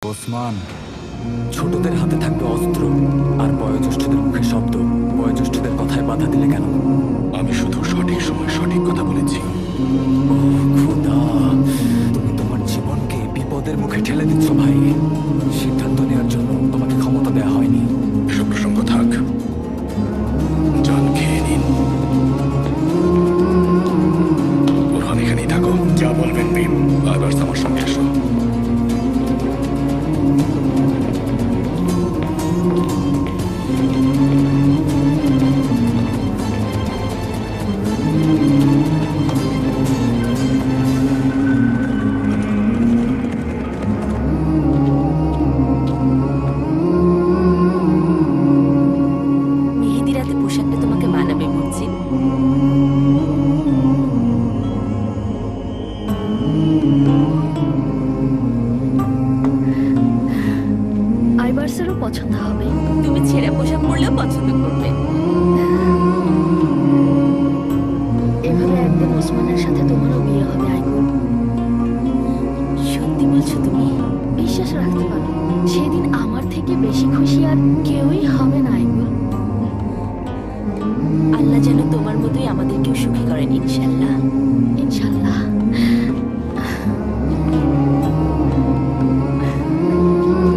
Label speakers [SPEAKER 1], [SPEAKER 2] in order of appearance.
[SPEAKER 1] ওসমান, ছোটদের হাতে থাকবে অস্ত্র আর বয়োজ্যেষ্ঠদের মুখে শব্দ। বয়োজ্যেষ্ঠদের কথায় বাধা দিলে কেন?
[SPEAKER 2] আমি শুধু সঠিক সময় সঠিক কথা বলেছি।
[SPEAKER 1] ও খোদা, তুমি তোমার জীবনকে বিপদের মুখে ঠেলে দিচ্ছ ভাই। সিদ্ধান্ত নেওয়ার জন্য তোমাকে ক্ষমতা দেওয়া হয়নি।
[SPEAKER 2] এসব প্রসঙ্গ থাক, জান খেয়ে নিন। ওরহান এখানেই থাকো, যা বলবেন ভীম। এবার আমার সঙ্গে এসো।
[SPEAKER 3] মেহেদি রাতে পোশাকটা তোমাকে মানাবে বুঝছি।
[SPEAKER 4] আইবার্সেরও পছন্দ হবে।
[SPEAKER 3] তুমি ছেঁড়া পোশাক পরলেও পছন্দ করবে।
[SPEAKER 4] এভাবে একদিন ওসমানের সাথে তোমারও বিয়ে হবে আইকুল।
[SPEAKER 3] সত্যি বলছো তুমি?
[SPEAKER 4] বিশ্বাস রাখতে পারো, সেদিন আমার থেকে বেশি খুশি আর কেউই হবে না আইকুল।
[SPEAKER 3] আল্লাহ যেন তোমার মতোই আমাদের